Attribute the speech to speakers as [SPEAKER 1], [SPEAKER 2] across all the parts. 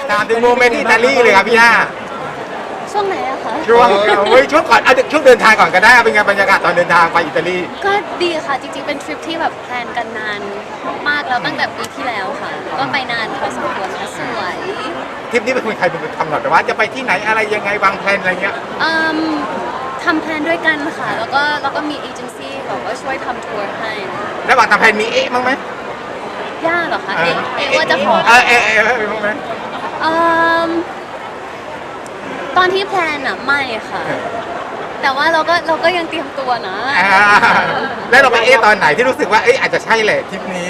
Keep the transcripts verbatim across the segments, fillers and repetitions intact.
[SPEAKER 1] ถามถึงโมเมนต์ที่อิตาลีเลยครับพี่ย่า
[SPEAKER 2] ช่วงไหนอะคะ
[SPEAKER 1] ช่วงเฮ้ยช่วงก่อนเอาช่วงเดินทางก่อนก็ได้เป็นไงบรรยากาศตอนเดินทางไปอิตาลี
[SPEAKER 2] ก็ดีค่ะจริงๆเป็นทริปที่แบบแพลนกันนานมากแล้วตั้งแต่ปีที่แล้วค่ะ ก็ไปนานพอสมควรค่ะสวย
[SPEAKER 1] ทริปนี้เป็นคนใครเป็นคนกำหนดว่าจะไปที่ไหนอะไรยังไงวางแผนอะไรเงี้ย
[SPEAKER 2] อืมทำแพลนด้วยกันค่ะ แล้วก็แล้วก็มีเอเจนซี่แบบว่าช่วยทำทัวร์ให้
[SPEAKER 1] ระหว่างทำแผนมีเอ๊ะมั้างไหม
[SPEAKER 2] ย่าเหรอคะเอะเอะว่าจะขอ
[SPEAKER 1] เออเอ๊ะเอ๊ะเอ๊ะมั้างไหม
[SPEAKER 2] อืมตอนที่แพลนอะไม่ค่ะ แต่ว่าเราก็เราก็ยังเตรียมตัวนะ
[SPEAKER 1] อ่าแล้วเราไปเอ๊ะตอนไหนที่รู้สึกว่าเอ๊ะอาจจะใช่แหละทริปนี้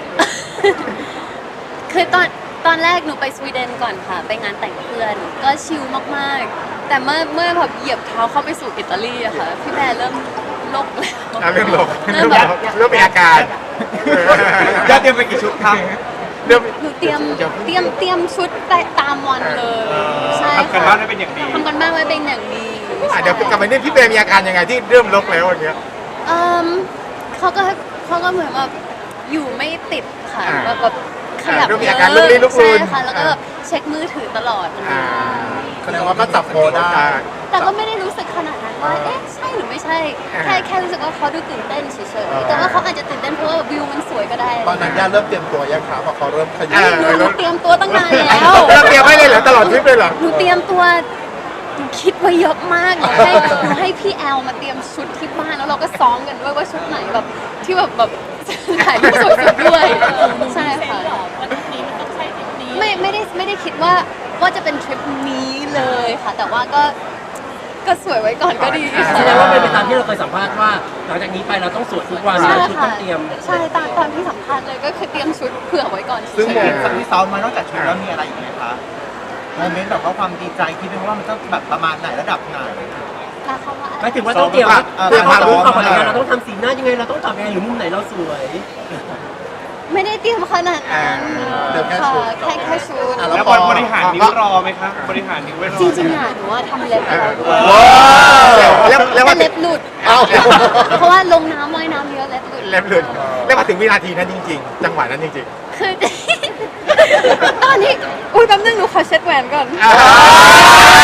[SPEAKER 2] คือตอนตอนแรกหนูไปสวีเดนก่อนค่ะ ไปงานแต่งเพื่อน ก็ชิลมากๆ แต่เมื่อเมื่อแบบเหยียบเท้าเข้าไปสู่อิตาลีอะค่ะ พี่แพรเริ่มโลกแล้ว
[SPEAKER 1] อ่ะเริ่มหลง
[SPEAKER 2] เริ่
[SPEAKER 1] เริ่
[SPEAKER 2] ม
[SPEAKER 1] ม
[SPEAKER 2] แบบ
[SPEAKER 1] เริ่มมีอาการ
[SPEAKER 3] ยอดเตรียมไปกี่ชุดครับ
[SPEAKER 1] เริ่ม
[SPEAKER 2] หนูเตรียมเตรียมเตรียมชุดไปตามวันเลย ใช่
[SPEAKER 3] ทำกัน
[SPEAKER 2] ค่ะ
[SPEAKER 3] บ้านได้เป็นอย่างดี
[SPEAKER 2] ทำกันบ้านไว้เป็นอย่างดี
[SPEAKER 1] อ่ะเดี๋ยวกลับมาเนี่ยพี่เปรมมีอาการยังไงที่เริ่มลกแล้วอย่างเงี้ย
[SPEAKER 2] เอมเขาก็เขาก็เหมือนแบบอยู่ไม่ติดค่ะ
[SPEAKER 1] อ่า
[SPEAKER 2] แบบแบบขยับ
[SPEAKER 1] อ่าเริ่มมี
[SPEAKER 2] เย
[SPEAKER 1] อา
[SPEAKER 2] อะ
[SPEAKER 1] การลุกลี้ลุกลน
[SPEAKER 2] ใช่ค่ะ แล้วก็แบบเช็คมือถือตลอด
[SPEAKER 1] อ่า
[SPEAKER 3] แสดงว่าก็จับโพได้
[SPEAKER 2] แต่ก็ไม่ได้รู้สึกขนาดนั้นว่า เอ๊ะ ใช่หรือไม่ใช่ แค่แค่รู้สึกว่าเขาดูตื่นเต้นเฉยๆ แต่ว่าเขาอาจจะตื่นเต้นเพราะว่าวิวมันสวยก็ได้
[SPEAKER 3] ตอนนั้นย่าเริ่มเตรียมตัวยังครับพอเขาเริ่มขยั
[SPEAKER 1] เอบ อ
[SPEAKER 2] หนูเตรียมตัวตั้งนานแล้ว
[SPEAKER 1] เราเตรียมไว้เลยเหรอตลอดทริปเลยเหรอ
[SPEAKER 2] หนูเตรียมตัวหนูคิดไว้เยอะมากหนูให้หนูให้พี่แอลมาเตรียมชุดที่บ้านแล้วเราก็ซ้อมกันด้วยว่าชุดไหนแบบที่แบบแบบถ่ายรูปสวยๆด้วยใช่ค่ะไม่ไม่ได้ไม่ได้คิดว่าว่าจะเป็นทริปนี้เลยค่ะ แต่ว่าก็ก็สวยไว้ก่อนก็ดีค่ะ
[SPEAKER 4] แสดงว่าเป็นไปตามที่เราเคยสัมภาษณ์ว่าหลังจากนี้ไปเราต้องสวดทุกวัน
[SPEAKER 2] ใช่
[SPEAKER 4] เราชุดต้
[SPEAKER 2] ค่ะ
[SPEAKER 4] องเตรียม
[SPEAKER 2] ใช่ตามตามที่สัมภาษณ์เลยก็คือเตรียมชุดเผื่อไว้ก่อน
[SPEAKER 3] ซึ่ง
[SPEAKER 2] เฉย
[SPEAKER 3] โมเมนต์ที่ซ้อมมานอกจากชุดแล้วมีอะไรอีกไหมคะโมเมนต์แบบว่าความดีใจคิดไหมว่ามันต้องแบบประมาณไหนระดับไหน
[SPEAKER 2] ๆแล้วเขาว่า
[SPEAKER 4] หมายถึงว่าต้องเตรียม
[SPEAKER 3] เออ
[SPEAKER 4] เตรียมความรู้ความ
[SPEAKER 3] เอ
[SPEAKER 4] อะไร
[SPEAKER 3] อ
[SPEAKER 4] กันเราต้องทำสีหน้ายังไงเราต้องตอบยังไงหรือมุมไหนเราสวย
[SPEAKER 2] ไม่ได้เตรียมขนาดนั้น
[SPEAKER 3] เดี๋ยวแค่
[SPEAKER 2] ค่ะ
[SPEAKER 3] ชุด
[SPEAKER 2] แค่แค่ชุด
[SPEAKER 3] อ่ะ
[SPEAKER 5] แล้วบริหารนิ้วรอไหมคะบริหารนิ้วไว้รอ
[SPEAKER 2] จริงๆอ่ะหนูว่าทำเล็บไปแล้วด้วย
[SPEAKER 1] แล้วแล้ว
[SPEAKER 2] แต่
[SPEAKER 1] ว่า
[SPEAKER 2] เล็บหลุด
[SPEAKER 1] เอ้า
[SPEAKER 2] เพราะว่าลงน้ำว่ายน้ำเยอะเล็บหลุด
[SPEAKER 1] เล็บหลุดแล้วมาถึงวินาทีนั้นจริงๆ จังหวะนั้นจริง
[SPEAKER 2] คือ ตอนนี้อุ้ยแป๊บนึงหนูขอเช็ดแหวนก่อน
[SPEAKER 1] ๆอ่า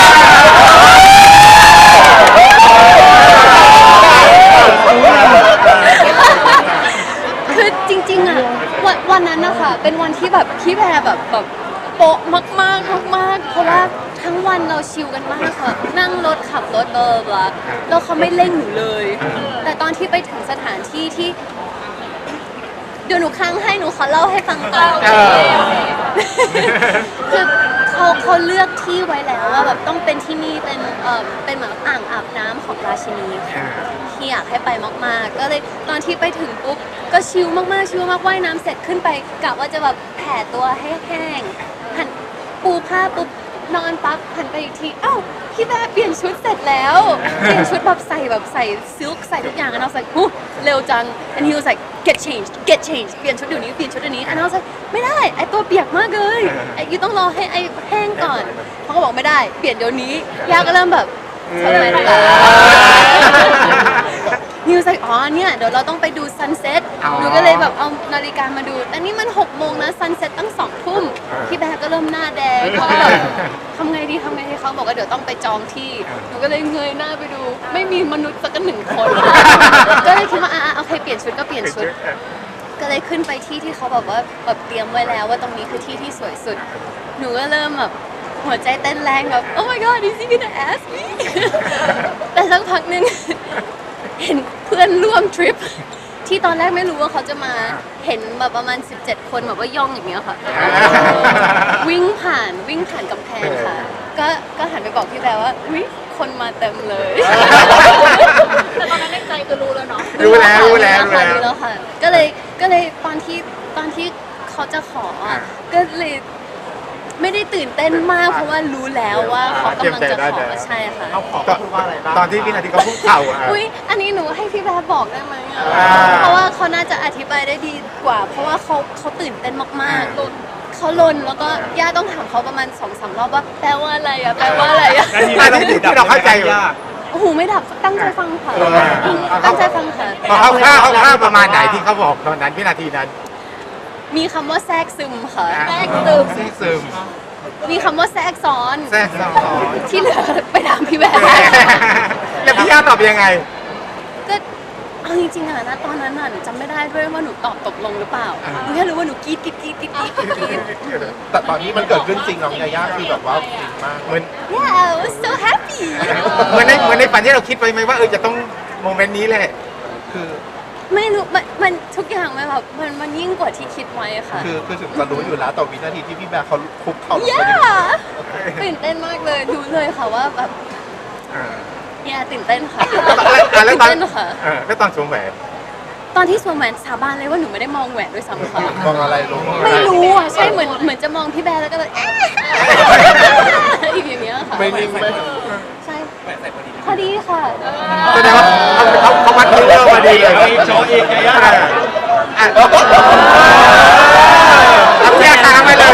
[SPEAKER 2] คือจริงๆอ่ะวันวันนั้นนะคะเป็นวันที่แบบพี่แพรแบบแบบโป๊ะมากๆมากๆเพราะว่าทั้งวันเราชิลกันมากค่ะ นั่งรถขับรถเบอร์บลาแล้วเขาไม่เร่งหนูเลย แต่ตอนที่ไปถึงสถานที่ที่ เดี๋ยวหนูค้างให้หนูขอเล่าให้ฟังก่อน
[SPEAKER 1] เออ
[SPEAKER 2] คือเขาเขาเลือกที่ไว้แล้วว่าแบบต้องเป็นที่นี่เป็นเออเป็นเหมือนอ่างอาบน้ำของราชินีค่ะที่อยากให้ไปมากๆ ก็เลยตอนที่ไปถึงปุ๊บก็ชิลมากๆชิลมากว่ายน้ำเสร็จขึ้นไปกะว่าจะแบบแผ่ตัวให้แห้งหันปูผ้าปุ๊บนอนปั๊บหันไปอีกทีอ้าวพี่แม่เปลี่ยนชุดเสร็จแล้วเปลี่ยนชุดแบบใส่แบบใส่ซิลค์ใส่ทุกอย่างand I was like หูเร็วจัง and he was like get changed get changed เปลี่ยนชุดเดี๋ยวนี้เปลี่ยนชุดเดี๋ยวนี้ and I was like ไม่ได้ไอตัวเปียกมากเลยไอยูต้องรอให้ไอแห้งก่อนเขาก็บอกไม่ได้เปลี่ยนเดี๋ยวนี้ยาก็เริ่มแบบทำไมล่ะนิวส์อ๋อเนี่ยเดี๋ยวเราต้องไปดูซันเซ็ต
[SPEAKER 1] อ๋อ
[SPEAKER 2] หนูก็เลยแบบเอานาฬิกามาดู แต่นี่มันหกโมงนะซันเซ็ตตั้งสองทุ่มพี่แบร์ก็เริ่มหน้าแดงเขาก็แบบทำไงดีทำไงดีเขาบอกว่าเดี๋ยวต้องไปจองที่ หนูก็เลยเงยหน้าไปดู ไม่มีมนุษย์สักหนึ่งคน ก็เลยคิดว่าอ่ะโอเคเปลี่ยนชุดก็เปลี่ยนชุด ก็เลยขึ้นไปที่ที่เขาแบบว่าแบบเตรียมไว้แล้วว่าตรงนี้คือที่ที่สวยสุด หนูก็เริ่มแบบหัวใจเต้นแรงแบบ oh my god is he gonna ask me แต่สักพักหนึ่ง เห็นเพื่อนร่วมทริป ที่ตอนแรกไม่รู้ว่าเขาจะมาเห็นแบบประมาณสิบเจ็ดคนแบบว่าย่องอย่างเงี้ยค่ะ วิ่งผ่านวิ่งผ่านกำแพงค่ะ ก็ก็หันไปบอกพี่แบร์ว่าวิคนมาเต็มเลย
[SPEAKER 6] แต่ตอนนั้นในใจคือรู้แล้วเนาะ
[SPEAKER 1] รู้แล้วรู้แล้ว
[SPEAKER 2] ค่ะ
[SPEAKER 1] รู้
[SPEAKER 2] รู้
[SPEAKER 1] แล้
[SPEAKER 2] แล้ว วค่ะ ก็เลยก็เลยตอนที่ตอนที่เขาจะขออ่ะก็เลยไม่ได้ตื่นเต้นมากเพราะว่ารู้แล้วว่าเขากำลังจะขอใช่ค่ะ
[SPEAKER 3] เขาขอพูดว่าอะไรบ้าง
[SPEAKER 1] ตอนที่วินาทีเขาพูดเข่าอ่ะ
[SPEAKER 2] อุ้ยอันนี้หนูให้พี่แบร์บอกได้ไหมอ่ะ
[SPEAKER 1] อ่า
[SPEAKER 2] เพราะว่าเขาน่าจะอธิบายได้ดีกว่า เพราะว่าเขาเขาตื่นเต้นมากๆ
[SPEAKER 1] อ่า
[SPEAKER 2] เขาลนแล้วก็ย่าต้องถามเขาประมาณสองสามรอบว่าแปลว่าอะไรอ่ะแปลว่าอะไรอ่ะ
[SPEAKER 1] อันนี้ที่เราเข้าใจอยู่
[SPEAKER 2] โอ้โหไม่ดับตั้งใจฟังค่ะ
[SPEAKER 1] เออ
[SPEAKER 2] ตั้งใจฟังค่ะ
[SPEAKER 1] พอเขาข้าวเขาข้าวประมาณไหนที่เขาบอกตอนนั้นวินาทีนั้น
[SPEAKER 2] มีคำว่าแทรกซึมค่ะ
[SPEAKER 1] อ่า
[SPEAKER 2] แทรกซึม
[SPEAKER 1] แทรกซึม
[SPEAKER 2] มีคำว่าแทรกซ้อน
[SPEAKER 1] แทรกซ้อน
[SPEAKER 2] ที่เหลือไปถามพี่แบร์
[SPEAKER 1] แล้วพี่ย่าตอบยังไง
[SPEAKER 2] ก็เอาจริงๆอะนะตอนนั้นน่ะหนูจำไม่ได้ด้วยว่าหนูตอบตกลงหรือเปล่าหนูแค่รู้ว่าหนูกรี๊ดกรี๊ดกรี๊ดกรี๊ดกรี๊ดกรี๊ด
[SPEAKER 7] แต่ตอนนี้มันเกิดขึ้นจริงน้องยาย่าคือแบบว่าฟินมาก
[SPEAKER 1] เหมือน
[SPEAKER 2] yeah I was so happy
[SPEAKER 1] เหมือนในเหมือนในฝันที่เราคิดไว้ไหมว่าเออจะต้องโมเมนต์นี้แหละ
[SPEAKER 7] คือ
[SPEAKER 2] ไม่รู้มันมันทุกอย่างมันแบบมันมันยิ่งกว่าที่คิดไว้ค่ะ
[SPEAKER 7] คือคือถึงจะรู้อยู่แล้วแต่วินาทีที่พี่แบร์เขาคุกเข่าลงไป
[SPEAKER 2] yeah ตื่นเต้นมากเลยรู้เลยค่ะว่าแบบ
[SPEAKER 1] อ่า
[SPEAKER 2] เนี่ยตื่นเต้นค่ะ
[SPEAKER 1] แล้วแล้ว
[SPEAKER 2] ตื่น
[SPEAKER 1] ตอน
[SPEAKER 2] เต้นค่ะ
[SPEAKER 1] เออแล้วตอนสวมแหวน
[SPEAKER 2] ตอนที่สวมแหวนสาบานเลยว่าหนูไม่ได้มองแหวนด้วยซ้ำค่ะ
[SPEAKER 7] มองอะไรลง
[SPEAKER 2] ไม่รู้อ่ะใช่เหมือนเหมือนจะมองพี่แบร์แล้วก็แบบเอ๊ะอีกอย่างเงี้ยค่ะ
[SPEAKER 7] ไม่นิ่งไม่
[SPEAKER 2] ใช่พอดีค่ะ
[SPEAKER 1] แสดงว่าเขาเขาเขาวัดนิ้วเรามาดีเลย
[SPEAKER 5] โชว์อีกยาย่า
[SPEAKER 1] อ่ะอ่ะเอาแยกทางไปเลย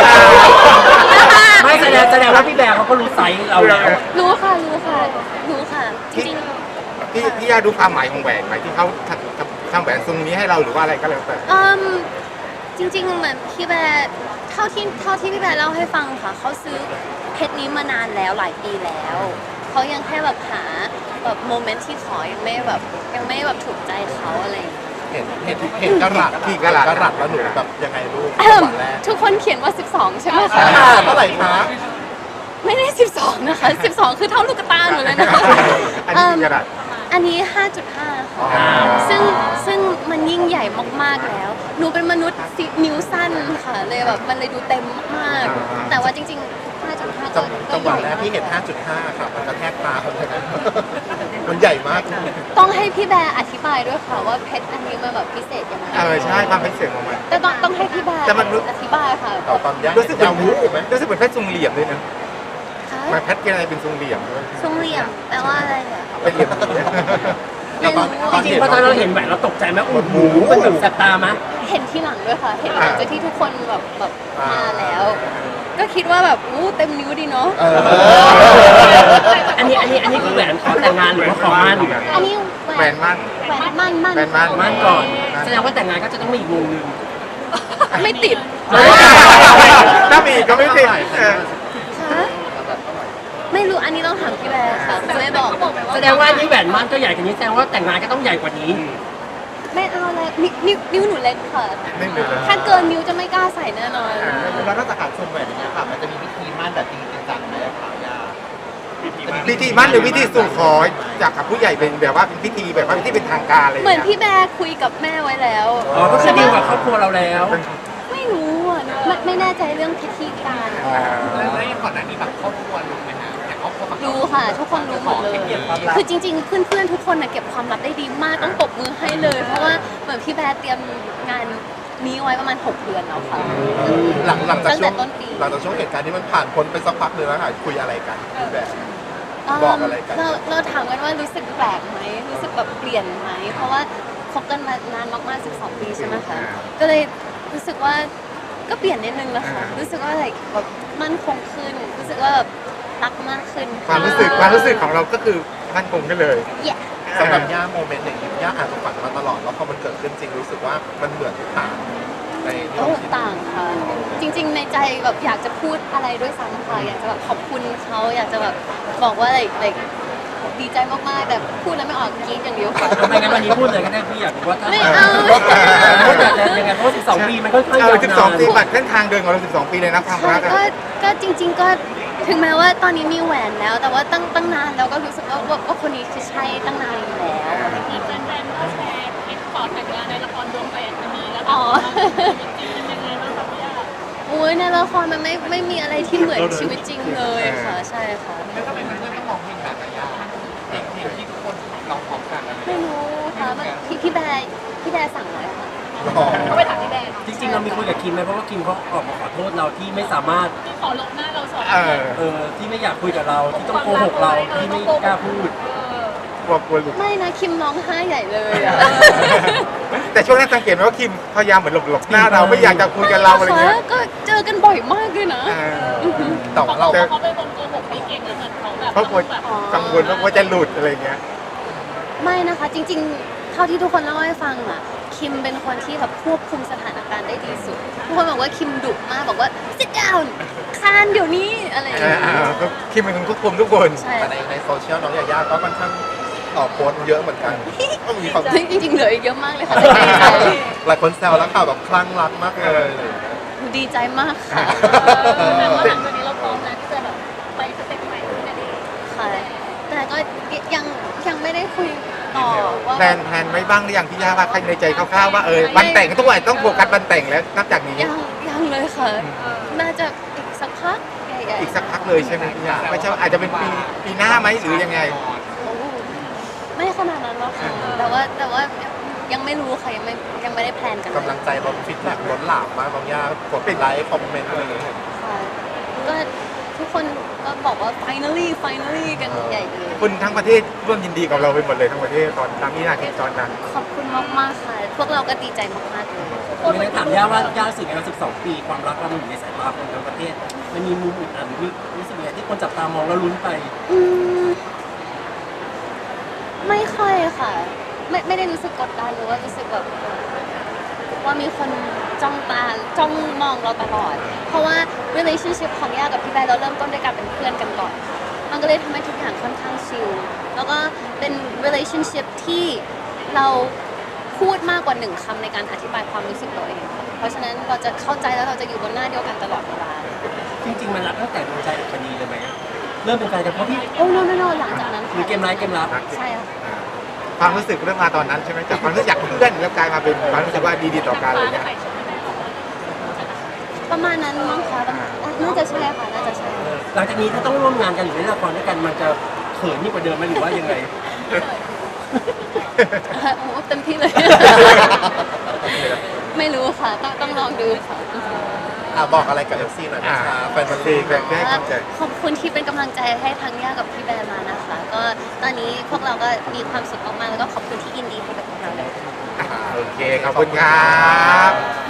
[SPEAKER 4] ไม่แสดงแสดงว่าพี่แบร์เขาก็รู้ไซส์เราแล้ว
[SPEAKER 2] รู้ค่ะรู้ค่ะรู้ค่ะจริง
[SPEAKER 1] พี่พี่ย่าดูความหมายของแหวนไหมที่เขาทำทำแหวนทรงนี้ให้เราหรือว่าอะไรก็แล้วแต่
[SPEAKER 2] ๆอืมจริงๆเหมือนพี่แบร์เท่าที่เท่าที่พี่แบร์เล่าให้ฟังค่ะเขาซื้อเพชรนี้มานานแล้วหลายปีแล้วเขายังแค่แบบหาแบบโมเมนต์ที่ขอยังไม่แบบยังไม่แบบถูกใจเขาอะไรอย่างเงี้ย
[SPEAKER 7] เห็นเห็นเห็นกระหลัด
[SPEAKER 1] กี่กะรัต
[SPEAKER 7] กระหลัดแล้วหนูแบบยังไงลูก
[SPEAKER 2] เอิ่ม
[SPEAKER 7] วันแรก
[SPEAKER 2] ทุกคนเขียนว่า สิบสอง ใช่ไหมคะ
[SPEAKER 7] อ่าเท่าไหร่คะ
[SPEAKER 2] ไม่ได้ สิบสอง นะคะ สิบสอง คือเท่าลูกตาหนูเลยนะคะ
[SPEAKER 1] อันนี้กี่กะรัต
[SPEAKER 2] อันนี้ ห้าจุดห้า ค่ะ ซึ่งซึ่งมันยิ่งใหญ่มากๆแล้ว หนูเป็นมนุษย์สินิ้วสั้นค่ะ เลยแบบมันเลยดูเต็มมากๆ แต่ว่าจริงๆ ห้าจุดห้า
[SPEAKER 7] จั
[SPEAKER 2] ก็
[SPEAKER 7] ง
[SPEAKER 2] ก็
[SPEAKER 7] จังห
[SPEAKER 2] ให
[SPEAKER 7] วะ
[SPEAKER 2] ญ่
[SPEAKER 7] แรกที่เห็น ห้าจุดห้า ครับมันกระแทกตาคนเลยนะมันใหญ่มาก
[SPEAKER 2] ต้องให้พี่แบร์อธิบายด้วยค่ะว่าเพชรอันนี้มันแบบพิเศษยังไง
[SPEAKER 1] เออใช่ความเป็นเสียงของมัน
[SPEAKER 2] แต่ต้องต้องให้พี่แบร์
[SPEAKER 1] แต่มันรู้
[SPEAKER 2] อธิบายค่ะ
[SPEAKER 7] ต่อตอนย่า
[SPEAKER 1] รู้สึกเหมื
[SPEAKER 7] ยา
[SPEAKER 1] อน
[SPEAKER 7] วูบไหม
[SPEAKER 1] รู้สึกเหมือนแพทย์ทรงเหลี่ยมด้วยนะ
[SPEAKER 2] ค่ะ
[SPEAKER 1] มาแพทย์กินอะไรเป็นทรงเหลี่ยมด้วย
[SPEAKER 2] ทรงเหลี่ยมแปลว่าอะไรอะ
[SPEAKER 1] เป็นเหลี่ยมอย่างเงี้ย
[SPEAKER 2] ไม่รู้
[SPEAKER 7] ตอน
[SPEAKER 4] จริง
[SPEAKER 7] เห็น
[SPEAKER 4] ๆพอตอนเราเห็นแหวนเราตกใจไหมโอ้โหมันแบบแสบตาไหม
[SPEAKER 2] เห็นที่หลังด้วยค่ะ เห็นหลังจากที่ทุกคนแบบแบบมาแล้ว ก็คิดว่าแบบอู้เต็มนิ้วดีเนาะ
[SPEAKER 7] เออ
[SPEAKER 4] อันนี้อันนี้อันนี้คือแหวนขอแต่งงานหรือว่าขอมั่น
[SPEAKER 2] อันนี้
[SPEAKER 1] แหวนมั่น
[SPEAKER 2] แหวนมั่นมั่น
[SPEAKER 1] แหวนมั่น
[SPEAKER 4] มั่นก่อน แสดงว่าแต่งงานก็จะต้องมีอีกวงหนึ่ง
[SPEAKER 2] ไม่ติด
[SPEAKER 1] ถ้ามีก็ไม่ติดเออ
[SPEAKER 2] คะไม่รู้อันนี้ต้องถามพี่แบร์ค่ะไม่บอก
[SPEAKER 4] แสดงว่านี่แหวนมั่นก็ใหญ่กว่านี้แสดงว่าแต่งงานก็ต้องใหญ่กว่านี้
[SPEAKER 2] ไม่เอาเลยนิ้วนิ้วนิ้วหนูเล็กค่ะ
[SPEAKER 1] ไม่เป็นไร
[SPEAKER 2] ถ้าเกินนิ้วจะไม่กล้าใส่แน่นอน
[SPEAKER 3] แล้วนอกจากการสวมแหวนอย่างเงี้ยค่ะมันจะมีพิธีมั่นแบบจริงจังไหมคะย่า
[SPEAKER 1] พิธีมั่นหรือพิธีสู่ขอจากกับผู้ใหญ่เป็นแบบว่าเป็นพิธีแบบว่าพิธีเป็นทางการอะไรอย่าง
[SPEAKER 2] เหมือน
[SPEAKER 1] เงี้ย
[SPEAKER 2] พี่แบร์คุยกับแม่ไว้แล้ว
[SPEAKER 4] อ๋อ ก็คือดีลกับครอบครัวเราแล้ว
[SPEAKER 2] ไม่รู้อ่ะไม่ไม่แน่ใจเรื่องพิธีการ
[SPEAKER 1] อ่า
[SPEAKER 3] แล้วก่อนหน้านี้แบบครอบครัวรู้ไหมฮะแต่ครอบครัว
[SPEAKER 2] รู้ค่ะ ทุกคนรู้หมดเลย คือจริงๆ เพื่อนๆ ทุกคนน่ะเก็บความลับได้ดีมากต้องตบมือให้เลย เพราะว่าเหมือนพี่แบร์เตรียมงานนี้ไว้ประมาณหกเดือนแล้วค่ะ
[SPEAKER 7] หลังหลังจาก
[SPEAKER 2] ตั้ง
[SPEAKER 7] ช่
[SPEAKER 2] แต่
[SPEAKER 7] วง
[SPEAKER 2] ต้นปี
[SPEAKER 7] หลังจากช่วงเหตุการณ์ที่มันผ่านพ้นไปสักพักหนึ่งแล้วค่ะคุยอะไรกันพี่แบร์ บอกอะไรกัน
[SPEAKER 2] เราเราถามกันว่ารู้สึกแปลกไหมรู้สึกแบบเปลี่ยนไหมเพราะว่าคบกันมานานมากๆสิบสองปีใช่ไหมคะก็เลยรู้สึกว่าก็เปลี่ยนนิดนึงแล้วค่ะรู้สึกว่าอะไรแบบมั่นคงขึ้น รู้สึกว่าแบบรักมากขึ้น
[SPEAKER 1] ความรู้สึกความรู้สึกของเราก็คือมั่นคงกันเลย
[SPEAKER 2] แย่
[SPEAKER 7] สำหรับย่าโมเมนต์อย่างนี้ย่าอาจจะฝันมาตลอดแล้วพอมันเกิดขึ้นจริงรู้สึกว่ามันเหมือนต่างในที่
[SPEAKER 2] โอ้
[SPEAKER 7] เราคิด
[SPEAKER 2] ต่างค่ะ จริง ๆ ในใจแบบอยากจะพูดอะไรด้วยซ้ำค่ะอยากจะแบบขอบคุณเขาอยากจะแบบบอกว่าอะไรอะไรดีใจมากๆแต่พูดแล้วไม่ออกกรี๊ดอย่างเดียวค่ะ
[SPEAKER 4] ไม่งั้นวันนี้พูดเลยก็ได้พี่อยากรู้ว่าถ้า
[SPEAKER 2] ไม่เอา
[SPEAKER 4] พูดอยากจะยังไงเพราะว่าสิบสองปีมันค่อนข้างาว
[SPEAKER 1] เอยอ
[SPEAKER 4] นา
[SPEAKER 1] สิบสองปี
[SPEAKER 4] น
[SPEAKER 1] บัตรเส้นทางเดินของเราสิบสองปีเลยนะความ
[SPEAKER 2] ใช่
[SPEAKER 1] รักอะ
[SPEAKER 2] ก็ก็จริง ๆ ก็ถึงแม้ว่าตอนนี้มีแหวนแล้ว แต่ว่าตั้งตั้งนานแล้วก็รู้สึกว่าว่าว่าคนนี้คือใช่ตั้งนานอยู่แล้ว
[SPEAKER 6] มีแฟนๆก็แชร์คลิปขอแต่งงานในละครดวงแหวนจะมีแล้ว
[SPEAKER 2] อ๋อ
[SPEAKER 6] จริงๆเป็นยังไงบ้างคะพี่ย่า
[SPEAKER 2] อุ้ยในละครมันไม่ไม่มีอะไรที่เหมือนชีวิตจริงเลยค่ะ ใช่ค่ะ
[SPEAKER 3] แล้วทำไมเพื่อนๆต้องมองเพลงแบบย่าเพลงเพลงที่ทุกคนร้องพร้อมกันอะไร
[SPEAKER 2] ไม่รู้ค่ะมันพี่พี่แบร์พี่แบร์สั่งไว้ค่ะ
[SPEAKER 6] เขาไปถามพี่แบร์
[SPEAKER 4] จริงๆเรามีคุยกับคิมไหมเพราะว่าคิมเขาออกมาขอโทษเราที่ไม่สามารถ
[SPEAKER 6] ที่ขอลบหน้าเราสอง
[SPEAKER 1] เออ
[SPEAKER 4] เออที่ไม่อยากคุยกับเราที่ต้องโกหกเราที่ไม่กล้าพูด
[SPEAKER 1] กลัวกลัวหลุด
[SPEAKER 2] ไม่นะคิมร้องไห้ใหญ่เลยอะ
[SPEAKER 1] แต่ช่วงนั้นสังเกตไหมว่าคิมพยายามเหมือนหลบหลบหน้าเราไม่อยากจะคุยกับเราอะไรเงี้ย
[SPEAKER 2] ก็เจอกันบ่อยมากเลยนะ
[SPEAKER 1] เออ
[SPEAKER 7] แต่ว่าเรา
[SPEAKER 6] เขาเป็นคนโกหกไม่เก่งแล้วเหมือนเขาแบบ
[SPEAKER 1] เพราะกลัว
[SPEAKER 6] แบบ
[SPEAKER 1] กังวลว่าจะหลุดอะไรเงี้ย
[SPEAKER 2] ไม่นะคะจริงๆ เท่าที่ทุกคนเล่าให้ฟังอ่ะคิมเป็นคนที่แบบควบคุมสถานการณ์ได้ดีสุดทุกคนบอกว่าคิมดุมากบอกว่า sit down คานเดี๋ยวนี้อะไรอย่าง
[SPEAKER 1] เอ
[SPEAKER 2] เงี้
[SPEAKER 1] อย ก็คิดมันควบคุมทุกคน
[SPEAKER 2] ใช่
[SPEAKER 7] แต่ในในโซเชียลน้องยาย่าก็ค่อนข้างตอบโพสต์เยอะเหมือนกันก็มีความ
[SPEAKER 2] จริงๆเหลืออีกเยอะมากเลยค่ะแต่ดีใจ
[SPEAKER 7] หลายคนแซวแล้วข่าวแบบคลั่งรักมากเลย
[SPEAKER 2] ดีใจมากค่ะ
[SPEAKER 6] แต่ว่าหลังจากนี้เราพร้อมนะที่จะแบบไปสเต็ปใหม่ด้วยกันเอง
[SPEAKER 2] ค่ะ แต่ก็ยังยังไม่ได้คุยต่อว่า
[SPEAKER 1] แพลนแพลนไว้บ้างหรือยังพี่ย่าว่าใครในใจคร่าวๆว่าเออวันแต่งทุกวันต้องโฟกัสวันแต่งแล้วนับจากนี้
[SPEAKER 2] ยังยังเลยค่ะ น่าจะอีกสักพักใหญ่
[SPEAKER 1] อีกสักพักเลยใช่ไหมพี่ย่าไม่ใช่อาจจะเป็นปีปีหน้าไหมหรือยังไง
[SPEAKER 2] ๆโอ้ไม่ขนาดนั้นหรอกค่ะ แต่ว่าแต่ว่ายังไม่รู้ค่ะยังไม่ยังไม่ได้แพลนกันเลย
[SPEAKER 7] กำลังใจล้นฟิตแบ็กล้นหลามมากน้องย่ากดไลค์คอมเมนต์อะไรอย่างเงี้ย
[SPEAKER 2] ค่ะก็ทุกคนก็บอกว่า finally finally กันใหญ่เลย
[SPEAKER 1] คนทั้งประเทศร่วมยินดีกับเราไปหมดเลยทั้งประเทศตอนตามนี้นาทีตอนนั้น
[SPEAKER 2] ขอบคุณมากๆค่ะ พวกเราก็ดีใจมากๆเลย
[SPEAKER 4] ไม่ได้ถามย่าว่าย่ารู้สึกไงว่าสิบสองปีความรักเรามันอยู่ในสายตาคนทั้งประเทศมันมีมุมอื่นอ่ะหรือมีรู้สึกไงที่คนจับตามองแล้วลุ้นไป
[SPEAKER 2] อืมไม่ค่อยค่ะ ไม่ไม่ได้รู้สึกกดดันหรือว่ารู้สึกแบบว่ามีคนจ้องตาจ้องมองเราตลอด เพราะว่า relationship ของย่ากับพี่แบร์เราเริ่มต้นด้วยการเป็นเพื่อนกันก่อน มันก็เลยทำให้ทุกอย่างค่อนข้างชิลแล้วก็เป็น relationship ที่เราพูดมากกว่าหนึ่งคำในการอธิบายความรู้สึกตัวเอง เพราะฉะนั้นเราจะเข้าใจแล้วเราจะอยู่บนหน้าเดียวกันตลอดเวลา
[SPEAKER 4] จริงๆมันรักตั้งแต่ดวงใจกับปณีเลยไหมเริ่มเป็นแฟนกันเพราะพี่
[SPEAKER 2] โอ้ no no no หลังจากนั้น
[SPEAKER 4] หรือเกมร้ายเกมรับ
[SPEAKER 2] ใช่ค่ะ
[SPEAKER 1] ความรู้สึกเริ่มมาตอนนั้นใช่ไหมจากความรู้สึกจากเพื่อนแล้วกลายมาเป็นความรู้สึกว่าดีๆต่อกันอะไรเงี้ย
[SPEAKER 2] ประมาณนั้นมั้งคะประมาณน่าจะใช่ค่ะ น่าจะใช่
[SPEAKER 4] หลังจากนี้ถ้าต้องร่วมงานกันหรือเล่นละครด้วยกันมันจะเขินยิ่งกว่าเดิมไหมหรือว่ายังไง
[SPEAKER 2] โอ้เต็มที่เลย ไม่รู้ค่ะ ต้องต้องลองดูค่ะ
[SPEAKER 7] อ่ะบอกอะไรกับ เอฟ ซี หน่อยนะคะแฟนบอล
[SPEAKER 1] ซี
[SPEAKER 7] ลี
[SPEAKER 1] แฟนได้เข้าใจ
[SPEAKER 2] ขอบคุณที่เป็นกำลังใจให้ทั้งย่ากับพี่แบร์มานะคะ ก็ตอนนี้พวกเราก็มีความสุขมากๆแล้วก็ขอบคุณที่ยินดีให้กับพวกเราเลย
[SPEAKER 1] โอเค ขอบคุณครับ